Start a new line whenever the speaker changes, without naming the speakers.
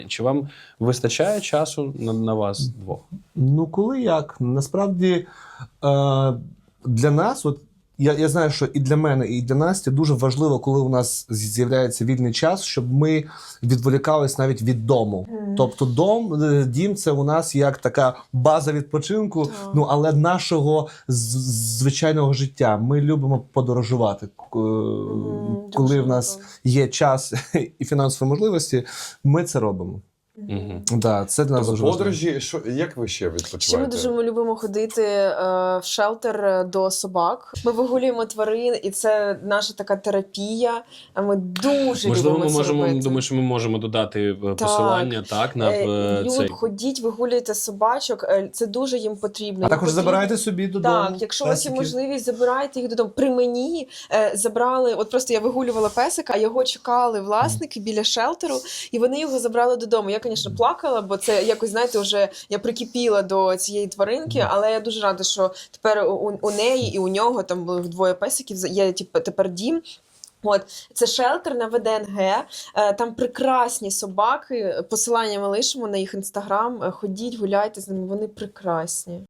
Чи вам вистачає часу на вас двох?
Ну, коли як? Насправді, для нас, от я знаю, що і для мене, і для Насті дуже важливо, коли у нас з'являється вільний час, щоб ми відволікались навіть від дому. Тобто дім – це у нас як така база відпочинку, ну, але нашого звичайного життя. Ми любимо подорожувати. Коли в нас є час і фінансові можливості, ми це робимо. Да, це для нас дуже важливо.
Подорожі, як ви ще відпочиваєте?
Ще ми дуже любимо ходити в шелтер до собак. Ми вигулюємо тварин, і це наша така терапія. Ми дуже
Можливо,
любимо
ми
це робити.
думаю, що ми можемо додати посилання на цей.
Ходіть, вигулюйте собачок, це дуже їм потрібно.
А також забирайте собі додому.
Так, якщо у вас є можливість, забирайте їх додому. При мені забрали, от просто я вигулювала песика, а його чекали власники біля шелтеру, і вони його забрали додому. Я, звісно, плакала, бо це якось, знаєте, вже я прикипіла до цієї тваринки, але я дуже рада, що тепер у неї і у нього, там були двоє песиків, є тепер дім. От, це шелтер на ВДНГ, там прекрасні собаки, посилання ми лишимо на їх інстаграм, ходіть, гуляйте з ними, вони прекрасні.